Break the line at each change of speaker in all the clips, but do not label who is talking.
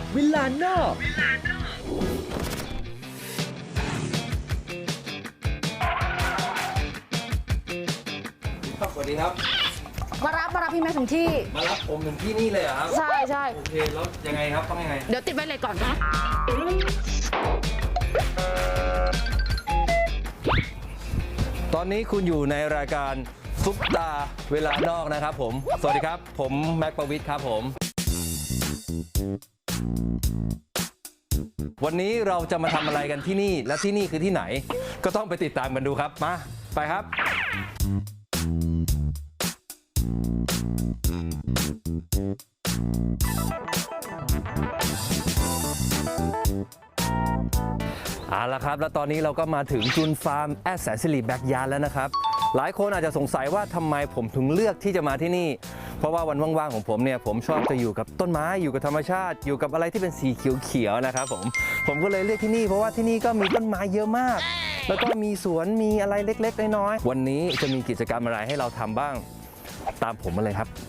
วิลลาโนสวัสดีครับ
มารับพี่แม็กถึงที่
มารับผมถึงที่นี่เลยเหรอครับ
ใช่
โอเคแล้วยังไงครับต้องยังไง
เดี๋ยวติดไว้เลยก่อนนะ
ตอนนี้คุณอยู่ในรายการซุปตาเวลานอกนะครับผมสวัสดีครับผมแม็กประวิทย์ครับผมวันนี้เราจะมาทำอะไรกันที่นี่และที่นี่คือที่ไหนก็ต้องไปติดตามกันดูครับมาไปครับเอาละครับแล้วตอนนี้เราก็มาถึงจุนฟาร์มแอดแสนสิริแบ็กยาร์ดแล้วนะครับหลายคนอาจจะสงสัยว่าทำไมผมถึงเลือกที่จะมาที่นี่เพราะว่าวันว่างๆของผมเนี่ยผมชอบจะอยู่กับต้นไม้อยู่กับธรรมชาติอยู่กับอะไรที่เป็นสีเขียวๆนะครับผมก็เลยเลือกที่นี่เพราะว่าที่นี่ก็มีต้นไม้เยอะมากแล้วก็มีสวนมีอะไรเล็กๆน้อยๆวันนี้จะมีกิจกรรมอะไรให้เราทำบ้างตามผมมาเลยครับ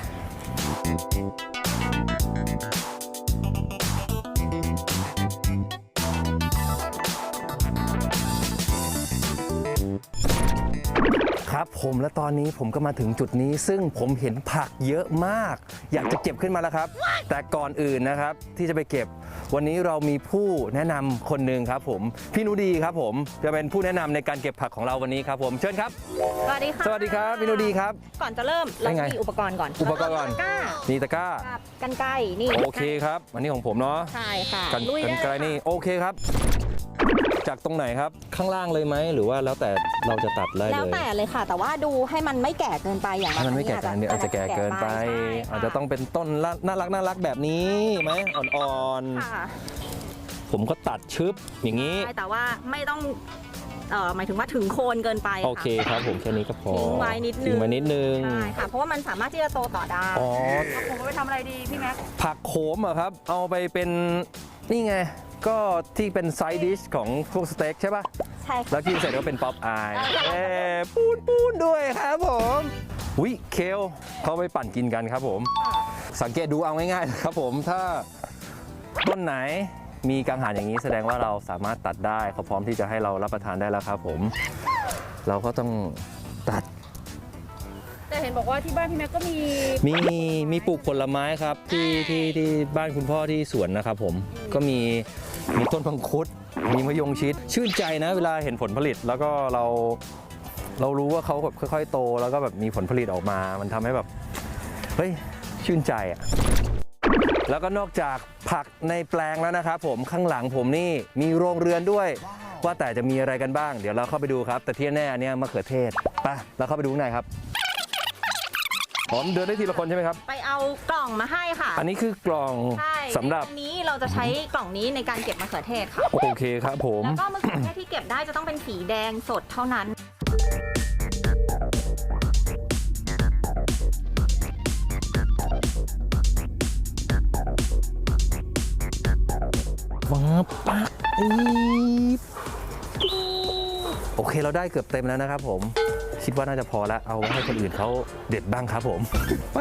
ครับผมและตอนนี้ผมก็มาถึงจุดนี้ซึ่งผมเห็นผักเยอะมากอยากจะเก็บขึ้นมาแล้วครับแต่ก่อนอื่นนะครับที่จะไปเก็บวันนี้เรามีผู้แนะนำคนหนึ่งครับผมพี่นุดีครับผมจะเป็นผู้แนะนำในการเก็บผักของเราวันนี้ครับผมเชิญครับ
สวัสดีค่ะ
สวัสดีครับพี่นุดีครับ
ก่อนจะเริ่มเรามีอุปกรณ์ก่อน
อุปกรณ์ก่อนนี่ตะกร้า
กันไกรนี่
โอเคครับอันนี้ของผมเนาะ
ใช่ค่ะ
กันไกรนี่โอเคครับจากตรงไหนครับข้างล่างเลยไหมหรือว่าแล้วแต่เราจะตัดเลย
แล้วแต่เลยค่ะแต่ว่าดูให้มันไม่แก่เกินไปอย่าง
มันไม่แก่เกินเดี๋ยวอาจจะแก่เกินไปอาจจะต้องเป็นต้นน่ารักแบบนี้ไหมอ่อนๆผมก็ตัดชึบอย่างนี้
แต่ว่าไม่ต้องหมายถึงว่าถึงโคนเกินไป
โอเคครับผมแค่นี้ก็พอ
ทิ้งไว้นิดนึงใช่ค่ะเพราะว่ามันสามารถที่จะโตต่อได้ผมไปทำอะไรดีพี่แม็ก
ผักโขมเหรอครับเอาไปเป็นนี่ไงก็ที่เป็นไซด์ดิชของพวกสเต็กใช่ป่ะ
ใช่
แล้วกินเสร็จก็เป็นป๊อปอายปูนด้วยครับผมวิเคลเขาไปปั่นกินกันครับผมสังเกตดูเอาง่ายๆครับผมถ้าต้นไหนมีกังหันอย่างนี้แสดงว่าเราสามารถตัดได้เขาพร้อมที่จะให้เรารับประทานได้แล้วครับผมเราก็ต้องตัด
แต่เห็นบอกว่าที่บ้านพี่แม็กก็
มีปลูกผลไม้ครับที่บ้านคุณพ่อที่สวนนะครับผมก็มีต้นพังคุดมีมะยงชิดชื่นใจนะเวลาเห็นผลผลิตแล้วก็เรารู้ว่าเขาแบบค่อยๆโตแล้วก็แบบมีผลผลิตออกมามันทำให้แบบเฮ้ยชื่นใจอ่ะแล้วก็นอกจากผักในแปลงแล้วนะครับผมข้างหลังผมนี่มีโรงเรือนด้วยว่าแต่จะมีอะไรกันบ้างเดี๋ยวเราเข้าไปดูครับแต่ที่แน่เนี่ยมะเขือเทศไปเราเข้าไปดูข้างในครับผมเดินได้ทีละคนใช่ไหมครับ
ไปเอากล่องมาให้ค่ะ
อันนี้คือกล่องสำหรับ
อันนี้เราจะใช้กล่องนี้ในการเก็บมะเขือเทศค่ะ
โอเคครับผม
แล้วก็มะเขือเทศที่เก็บได้จะต้องเป็นสีแดงสดเท่านั้น
ว้าปักโอเคเราได้เกือบเต็มแล้วนะครับผมคิดว่าน่าจะพอแล้วเอาไว้ให้คนอื่นเขาเด็ดบ้างครับผมไป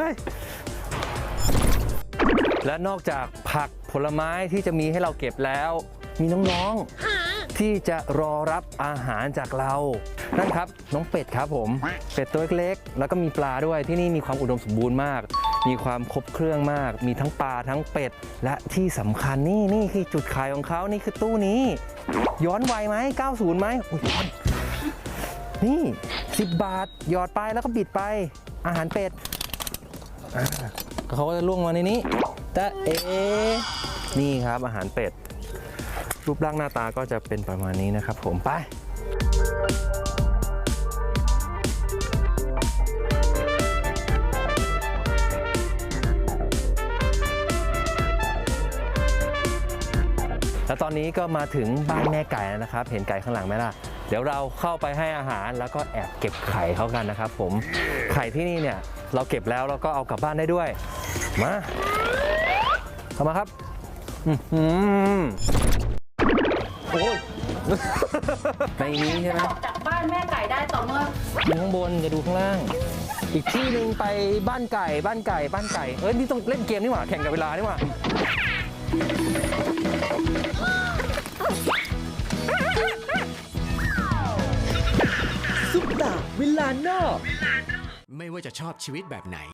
และนอกจากผักผลไม้ที่จะมีให้เราเก็บแล้วมีน้องๆที่จะรอรับอาหารจากเรานั่นครับน้องเป็ดครับผมเป็ดตัวเล็กๆแล้วก็มีปลาด้วยที่นี่มีความอุดมสมบูรณ์มากมีความครบเครื่องมากมีทั้งปลาทั้งเป็ดและที่สำคัญนี่คือจุดขายของเขานี่คือตู้นี้ย้อนวัยไหม90ไหมย้อนนี่10 บาทหยอดไปแล้วก็บิดไปอาหารเป็ดเขาก็จะล่วงมาในนี้แต่นี่ครับอาหารเป็ดรูปร่างหน้าตาก็จะเป็นประมาณนี้นะครับผมไปแล้วตอนนี้ก็มาถึงบ้านแม่ไก่แล้วนะครับเห็นไก่ข้างหลังไหมล่ะเดี๋ยวเราเข้าไปให้อาหารแล้วก็แอบเก็บไข่เขากันนะครับผมไข่ที่นี่เนี่ยเราเก็บแล้วเราก็เอากลับบ้านได้ด้วยมาเข้ามาครับโอ้ยในนี้ใช่ไหม
จากบ้านแม่ไก่ได้ต่อเมื่อ
ดูข้างบนจะดูข้างล่างอีกที่หนึ่งไปบ้านไก่เอ้ยนี่ต้องเล่นเกมนี่หว่าแข่งกับเวลานี่หว่า
ซุปตาเวลานอก
ไม่ว่าจะชอบชีวิตแบบไหน